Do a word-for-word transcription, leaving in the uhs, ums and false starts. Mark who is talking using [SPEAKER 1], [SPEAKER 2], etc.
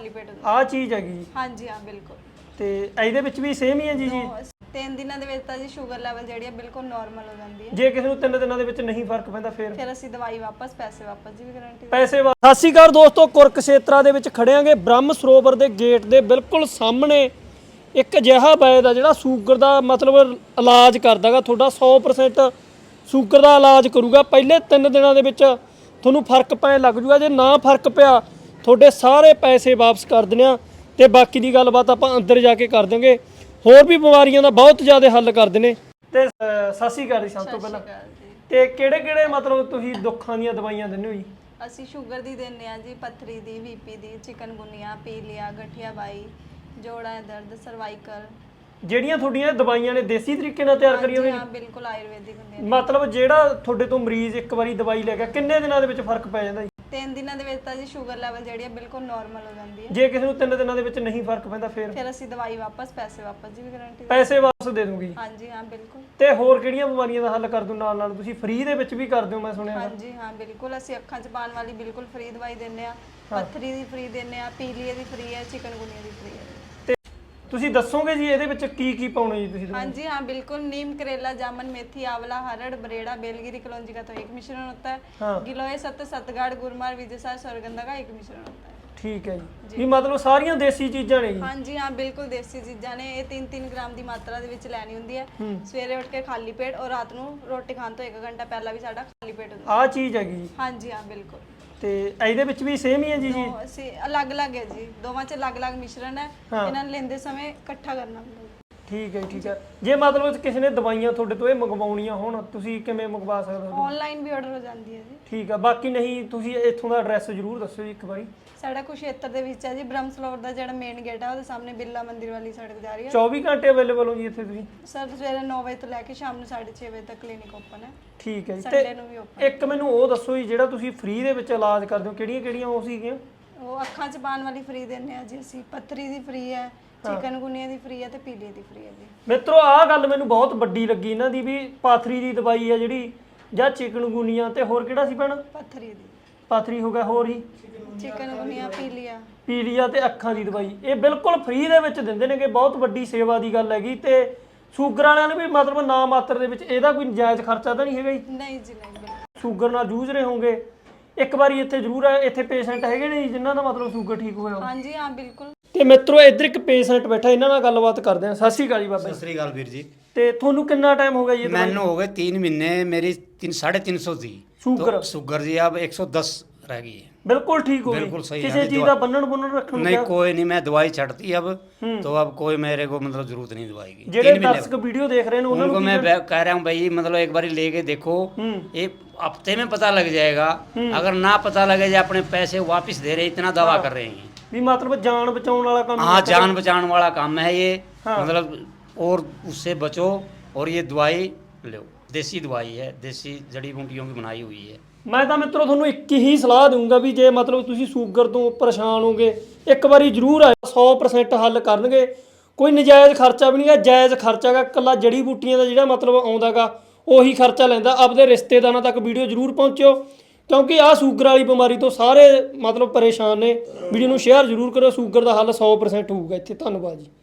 [SPEAKER 1] ਖਾਲੀ ਪੇਟ ਹੁੰਦਾ।
[SPEAKER 2] ਆ ਚੀਜ਼ ਹੈਗੀ ਜੀ।
[SPEAKER 1] ਹਾਂਜੀ ਹਾਂ ਬਿਲਕੁਲ।
[SPEAKER 2] ਤੇ ਇਹਦੇ ਵਿੱਚ ਵੀ ਸੇਮ ਹੀ ਹੈ ਜੀ ਜੀ?
[SPEAKER 1] ਤਿੰਨ ਦਿਨਾਂ ਦੇ ਵਿੱਚ ਤਾਂ ਜੀ ਸ਼ੂਗਰ ਲੈਵਲ ਜਿਹੜੀ ਹੈ ਬਿਲਕੁਲ ਨਾਰਮਲ ਹੋ ਜਾਂਦੀ ਹੈ।
[SPEAKER 2] ਜੇ ਕਿਸੇ ਨੂੰ ਤਿੰਨ ਦਿਨਾਂ ਦੇ ਵਿੱਚ ਨਹੀਂ ਫਰਕ ਪੈਂਦਾ ਫਿਰ
[SPEAKER 1] ਫਿਰ ਅਸੀਂ ਦਵਾਈ ਵਾਪਸ, ਪੈਸੇ ਵਾਪਸ ਦੀ ਵੀ ਗਾਰੰਟੀ।
[SPEAKER 2] ਪੈਸੇ ਵਾ- ਸਤਿ ਸ਼੍ਰੀ ਅਕਾਲ ਦੋਸਤੋ, ਕੁਰਕਸ਼ੇਤਰਾ ਦੇ ਵਿੱਚ ਖੜਿਆਂਗੇ ਬ੍ਰਹਮ ਸਰੋਵਰ ਦੇ ਗੇਟ ਦੇ ਬਿਲਕੁਲ ਸਾਹਮਣੇ ਇੱਕ ਅਜਿਹਾ ਵੈਦ ਆ ਜਿਹੜਾ ਸ਼ੂਗਰ ਦਾ ਮਤਲਬ ਇਲਾਜ ਕਰਦਾਗਾ ਤੁਹਾਡਾ ਸੌ ਪਰਸੈਂਟ ਸ਼ੂਗਰ ਦਾ ਇਲਾਜ ਕਰੂਗਾ। ਪਹਿਲੇ ਤਿੰਨ ਦਿਨਾਂ ਦੇ ਵਿੱਚ ਤੁਹਾਨੂੰ ਫਰਕ ਪੈਣ ਲੱਗ ਜੂਗਾ। ਜੇ ਨਾ ਫਰਕ ਪਿਆ ਤੁਹਾਡੇ ਸਾਰੇ ਪੈਸੇ ਵਾਪਸ ਕਰ ਦਿੰਦੇ ਆ ਤੇ ਬਾਕੀ ਦੀ ਗੱਲਬਾਤ ਆਪਾਂ ਅੰਦਰ ਜਾ ਕੇ ਕਰ ਦਾਂਗੇ। ਹੋਰ ਵੀ ਬਿਮਾਰੀਆਂ ਦਾ ਬਹੁਤ ਜ਼ਿਆਦਾ ਹੱਲ ਕਰਦੇ ਨੇ। ਤੇ ਅ, ਸਤਿ ਸ਼੍ਰੀ ਅਕਾਲ ਜੀ ਸਭ ਤੋਂ ਪਹਿਲਾਂ। ਤੇ ਕਿਹੜੇ ਕਿਹੜੇ ਮਤਲਬ ਤੁਸੀਂ ਦੁੱਖਾਂ ਦੀਆਂ ਦਵਾਈਆਂ ਦਿੰਦੇ ਹੋ ਜੀ?
[SPEAKER 1] ਅਸੀਂ ਸ਼ੂਗਰ ਦੀ ਦਿੰਦੇ ਆ ਜੀ, ਪੱਥਰੀ ਦੀ, ਵੀਪੀ ਦੀ, ਚਿਕਨਗੁਨੀਆ, ਪੀਲੀਆ, ਗਠੀਆ ਬਾਈ, ਜੋੜਾਂ ਦਾ ਦਰਦ, ਸਰਵਾਈਕਲ। ਜਿਹੜੀਆਂ
[SPEAKER 2] ਤੁਹਾਡੀਆਂ ਦਵਾਈਆਂ ਨੇ ਦੇਸੀ ਤਰੀਕੇ ਨਾਲ ਤਿਆਰ ਕਰੀਆਂ ਹੋਈਆਂ?
[SPEAKER 1] ਹਾਂ ਬਿਲਕੁਲ ਆਯੁਰਵੈਦਿਕ ਹੁੰਦੀਆਂ ਨੇ।
[SPEAKER 2] ਮਤਲਬ ਜਿਹੜਾ ਤੁਹਾਡੇ ਤੋਂ ਮਰੀਜ਼ ਇੱਕ ਵਾਰੀ ਦਵਾਈ ਲੈ ਗਿਆ ਕਿੰਨੇ ਦਿਨਾਂ ਦੇ ਵਿੱਚ ਫਰਕ ਪੈ ਜਾਂਦਾ ਜੀ?
[SPEAKER 1] ਤਿੰਨ ਦਿਨਾਂ ਦੇ ਵਿੱਚ ਤਾਂ ਜੀ ਸ਼ੂਗਰ ਲੈਵਲ ਜਿਹੜੀ ਹੈ ਬਿਲਕੁਲ ਨਾਰਮਲ ਹੋ ਜਾਂਦੀ ਹੈ।
[SPEAKER 2] ਜੇ ਕਿਸੇ ਨੂੰ ਤਿੰਨ ਦਿਨਾਂ ਦੇ ਵਿੱਚ ਨਹੀਂ ਫਰਕ ਪੈਂਦਾ ਫਿਰ
[SPEAKER 1] ਫਿਰ ਅਸੀਂ ਦਵਾਈ ਵਾਪਸ, ਪੈਸੇ ਵਾਪਸ ਦੀ ਵੀ ਗਾਰੰਟੀ।
[SPEAKER 2] ਪੈਸੇ ਵਾਪਸ ਦੇ ਦੂੰਗੀ?
[SPEAKER 1] ਹਾਂਜੀ ਹਾਂ ਬਿਲਕੁਲ।
[SPEAKER 2] ਤੇ ਹੋਰ ਕਿਹੜੀਆਂ ਬਿਮਾਰੀਆਂ ਦਾ ਹੱਲ ਕਰ ਦੂ ਨਾਲ ਨਾਲ? ਤੁਸੀਂ ਫ੍ਰੀ ਦੇ ਵਿੱਚ ਵੀ ਕਰਦੇ ਹੋ ਮੈਂ ਸੁਣਿਆ।
[SPEAKER 1] ਹਾਂਜੀ ਹਾਂ ਬਿਲਕੁਲ। ਅਸੀਂ ਅੱਖਾਂ 'ਚ ਪਾਉਣ ਵਾਲੀ ਬਿਲਕੁਲ ਫ੍ਰੀ ਦਵਾਈ ਦਿੰਦੇ ਆ, ਪੱਥਰੀ ਦੀ ਫ੍ਰੀ ਦਿੰਦੇ ਆ, ਪੀਲੀਏ ਦੀ ਫ੍ਰੀ ਹੈ, ਚਿਕਨਗੁਨੀਆ ਦੀ ਫ੍ਰੀ ਹੈ।
[SPEAKER 2] ਤੇ ਤੁਸੀਂ ਦੱਸੋਗੇ ਜੀ ਇਹਦੇ ਵਿੱਚ ਕੀ ਕੀ ਪਾਉਣਾ ਜੀ ਤੁਸੀਂ?
[SPEAKER 1] ਹਾਂਜੀ हाँ बिल्कुल। नीम, करेला, जामुन, मेथी, आंवला, हरड़, बरेड़ा, बेलगिरी, कलौंजी का तो एक मिश्रण होता है।
[SPEAKER 2] हाँ।
[SPEAKER 1] गिलोय, सत्त, सतगाड़, गुरमार, विजयसार, स्वर्गंधा का एक मिश्रण होता है।
[SPEAKER 2] ठीक है जी। ਵੀ ਮਤਲਬ ਸਾਰੀਆਂ ਦੇਸੀ ਚੀਜ਼ਾਂ ਨੇ ਜੀ?
[SPEAKER 1] ਹਾਂਜੀ ਹਾਂ ਬਿਲਕੁਲ ਦੇਸੀ ਚੀਜ਼ਾਂ ਨੇ। ਇਹ ਤਿੰਨ ਤਿੰਨ ਗ੍ਰਾਮ ਦੀ ਮਾਤਰਾ ਦੇ ਵਿੱਚ ਲੈਣੀ ਹੁੰਦੀ ਹੈ। ਸਵੇਰੇ ਉੱਠ ਕੇ ਖਾਲੀ ਪੇਟ ਔਰ ਰਾਤ ਨੂੰ ਰੋਟੀ ਖਾਣ ਤੋਂ ਇੱਕ ਘੰਟਾ ਪਹਿਲਾਂ ਵੀ ਸਾਡਾ ਖਾਲੀ ਪੇਟ ਹੁੰਦਾ।
[SPEAKER 2] ਆਹ ਚੀਜ਼ ਹੈਗੀ ਜੀ?
[SPEAKER 1] ਹਾਂਜੀ ਹਾਂ ਬਿਲਕੁਲ।
[SPEAKER 2] ਤੇ ਇਹਦੇ ਵਿੱਚ ਵੀ ਸੇਮ ਹੀ ਹੈ ਜੀ ਜੀ?
[SPEAKER 1] ਅਸੀਂ ਅਲੱਗ-ਅਲੱਗ ਹੈ ਜੀ, ਦੋਵਾਂ 'ਚ ਅਲੱਗ-ਅਲੱਗ ਮਿਸ਼ਰਣ ਹੈ। ਇਹਨਾਂ ਨੂੰ ਲੈਂਦੇ ਸਮੇਂ ਇਕੱਠਾ ਕਰਨਾ ਹੁੰਦਾ।
[SPEAKER 2] ਠੀਕ ਹੈ ਠੀਕ ਹੈ। ਜੇ ਮਤਲਬ ਕਿਸੇ ਨੇ ਦਵਾਈਆਂ ਤੁਹਾਡੇ ਤੋਂ ਇਹ ਮੰਗਵਾਉਣੀਆਂ ਹੋਣ ਤੁਸੀਂ ਕਿਵੇਂ ਮੰਗਵਾ ਸਕਦੇ ਹੋ?
[SPEAKER 1] ਆਨਲਾਈਨ ਵੀ ਆਰਡਰ ਹੋ ਜਾਂਦੀ ਹੈ ਜੀ।
[SPEAKER 2] ਠੀਕ ਆ। ਬਾਕੀ ਨਹੀਂ ਤੁਸੀਂ ਇੱਥੋਂ ਦਾ ਐਡਰੈਸ ਜ਼ਰੂਰ ਦੱਸਿਓ ਜੀ ਇੱਕ ਵਾਰੀ।
[SPEAKER 1] ਸਾਡਾ ਕੁਸ਼ੇਤਰ ਦੇ ਵਿੱਚ ਹੈ ਜੀ, ਬ੍ਰਹਮ ਸਰੋਵਰ ਦਾ ਜਿਹੜਾ ਮੇਨ ਗੇਟ ਹੈ ਉਹਦੇ ਸਾਹਮਣੇ ਬਿਰਲਾ ਮੰਦਿਰ ਵਾਲੀ ਸੜਕ ਜਾ ਰਹੀ ਹੈ।
[SPEAKER 2] ਚੌਵੀ ਘੰਟੇ ਅਵੇਲੇਬਲ ਹੋ ਜੀ ਇੱਥੇ ਤੁਸੀਂ?
[SPEAKER 1] ਸਰ ਸਵੇਰੇ ਨੌ ਵਜੇ ਤੋਂ ਲੈ ਕੇ ਸ਼ਾਮ ਨੂੰ ਸਾਢੇ ਛੇ ਵਜੇ ਤੱਕ ਕਲੀਨਿਕ ਓਪਨ ਹੈ।
[SPEAKER 2] ਠੀਕ ਹੈ ਜੀ।
[SPEAKER 1] ਸੰਡੇ ਨੂੰ ਵੀ ਓਪਨ।
[SPEAKER 2] ਇੱਕ ਮੈਨੂੰ ਉਹ ਦੱਸੋ ਜੀ ਜਿਹੜਾ ਤੁਸੀਂ ਫ੍ਰੀ ਦੇ ਵਿੱਚ ਇਲਾਜ ਕਰਦੇ ਹੋ ਕਿਹੜੀਆਂ ਕਿਹੜੀਆਂ ਉਹ ਸੀਗੀਆਂ?
[SPEAKER 1] ਉਹ ਅੱਖਾਂ 'ਚ ਪਾਉਣ ਵਾਲੀ ਫ੍ਰੀ ਦਿੰਦੇ ਆ ਜੀ ਅਸੀਂ, ਪੱਥਰੀ ਦੀ ਫ੍ਰੀ ਹੈ, ਚਿਕਨਗੁਨੀਆ ਦੀ ਫ੍ਰੀ ਹੈ ਤੇ ਪੀਲੀਏ ਦੀ ਫ੍ਰੀ ਹੈ ਜੀ।
[SPEAKER 2] ਮਿੱਤਰੋ ਆਹ ਗੱਲ ਮੈਨੂੰ ਬਹੁਤ ਵੱਡੀ ਲੱਗੀ ਇਹਨਾਂ ਦੀ ਵੀ ਪਾਥਰੀ ਦੀ ਦਵਾਈ ਹੈ ਜਿਹੜੀ ਜਾਂ ਚਿਕਨਗੁਨੀਆ ਤੇ ਹੋਰ ਕਿਹੜਾ ਸੀ ਭੈਣ?
[SPEAKER 1] ਪੱਥਰੀ ਦੀ।
[SPEAKER 2] ਪਾਥਰੀ ਹੋ ਗਿਆ, ਹੋਰ ਹੀ?
[SPEAKER 1] ਚਿਕਨਗੁਨੀਆ, ਪੀਲੀਆ।
[SPEAKER 2] ਪੀਲੀਆ ਤੇ ਅੱਖਾਂ ਦੀ ਦਵਾਈ ਇਹ ਬਿਲਕੁਲ ਫ੍ਰੀ ਦੇ ਵਿੱਚ ਦਿੰਦੇ ਨੇ ਕਿ ਬਹੁਤ ਵੱਡੀ ਸੇਵਾ ਦੀ ਗੱਲ ਹੈਗੀ। ਤੇ ਸ਼ੂਗਰ ਵਾਲਿਆਂ ਨੂੰ ਵੀ ਮਤਲਬ ਨਾ ਮਾਤਰ ਦੇ ਵਿੱਚ ਇਹਦਾ ਕੋਈ ਨਜਾਇਜ਼ ਖਰਚਾ ਤਾਂ ਨਹੀਂ ਹੈਗਾ ਜੀ?
[SPEAKER 1] ਨਹੀਂ ਜੀ ਨਹੀਂ ਬਿਲਕੁਲ।
[SPEAKER 2] ਸ਼ੂਗਰ ਨਾਲ ਜੂਝ ਰਹੇ ਹੋਗੇ ਇੱਕ ਵਾਰੀ ਇੱਥੇ ਜ਼ਰੂਰ ਹੈ। ਇੱਥੇ ਪੇਸ਼ੈਂਟ ਹੈਗੇ ਨੇ ਜਿਨ੍ਹਾਂ ਦਾ ਮਤਲਬ ਸ਼ੂਗਰ ਠੀਕ ਹੋਇਆ?
[SPEAKER 1] ਹਾਂਜੀ ਹਾਂ ਬਿਲਕੁਲ।
[SPEAKER 2] ਤੇ ਮਿੱਤਰੋ ਇੱਧਰ ਇੱਕ ਪੇਸ਼ੈਂਟ ਬੈਠਾ, ਇਹਨਾਂ ਨਾਲ ਗੱਲਬਾਤ ਕਰਦੇ ਆ। ਸਤਿ ਸ਼੍ਰੀ ਅਕਾਲ ਜੀ ਬਾਬਾ ਜੀ।
[SPEAKER 3] ਸਤਿ ਸ੍ਰੀ ਅਕਾਲ ਵੀਰ ਜੀ।
[SPEAKER 2] ਤੇ ਤੁਹਾਨੂੰ ਕਿੰਨਾ ਟਾਈਮ ਹੋ ਗਿਆ ਜੀ?
[SPEAKER 3] ਮੈਨੂੰ ਹੋ गए तीन महीने। मेरी तीन साढ़े तीन सौ थी
[SPEAKER 2] शुगर?
[SPEAKER 3] तो शुगर जी अब एक सौ दस रह गई है।
[SPEAKER 2] बिल्कुल ठीक हो
[SPEAKER 3] बिल्कुल सही है।
[SPEAKER 2] किसी चीज का बन्नन बुन्नन रखने
[SPEAKER 3] नहीं कोई नहीं, मैं दवाई छड़ती अब तो अब कोई मेरे को मतलब जरूरत नहीं दवाई की।
[SPEAKER 2] जेडे दर्शक वीडियो देख रहे हैं
[SPEAKER 3] उनको मैं कह रहा हूँ भाई मतलब एक बार लेके देखो, ये हफ्ते में पता लग जाएगा। अगर ना पता लगे जो अपने पैसे वापस दे रहे, इतना दवा कर रहे हैं
[SPEAKER 2] भी मतलब जान बचाने वाला काम।
[SPEAKER 3] हाँ जान बचाने वाला काम है ये। मतलब और उससे बचो और ये दवाई लो, देसी दवाई है, देसी जड़ी बूटियों की बनाई हुई है।
[SPEAKER 2] मैं तो मित्रों ਤੁਹਾਨੂੰ ਇੱਕ ਹੀ ਸਲਾਹ ਦਊਂਗਾ ਵੀ ਜੇ ਮਤਲਬ ਤੁਸੀਂ ਸ਼ੂਗਰ ਤੋਂ ਪਰੇਸ਼ਾਨ ਹੋਗੇ ਇੱਕ ਵਾਰੀ ਜ਼ਰੂਰ ਆਓ। ਸੌ ਪਰਸੈਂਟ ਹੱਲ ਕਰਨਗੇ। ਕੋਈ ਨਜਾਇਜ਼ ਖਰਚਾ ਵੀ ਨਹੀਂਗਾ, ਜਾਇਜ਼ ਖਰਚਾਗਾ। ਇਕੱਲਾ ਜੜੀ ਬੂਟੀਆਂ ਦਾ ਜਿਹੜਾ ਮਤਲਬ ਆਉਂਦਾਗਾ ਉਹੀ ਖਰਚਾ ਲੈਂਦਾ। ਆਪਦੇ ਰਿਸ਼ਤੇਦਾਰਾਂ ਤੱਕ ਵੀਡੀਓ ਜ਼ਰੂਰ ਪਹੁੰਚਿਓ ਕਿਉਂਕਿ ਆਹ ਸ਼ੂਗਰ ਵਾਲੀ ਬਿਮਾਰੀ ਤੋਂ ਸਾਰੇ ਮਤਲਬ ਪਰੇਸ਼ਾਨ ਨੇ। ਵੀਡੀਓ ਨੂੰ ਸ਼ੇਅਰ ਜ਼ਰੂਰ ਕਰੋ। ਸ਼ੂਗਰ ਦਾ ਹੱਲ ਸੌ ਪਰਸੈਂਟ ਹੋਊਗਾ ਇੱਥੇ। ਧੰਨਵਾਦ ਜੀ।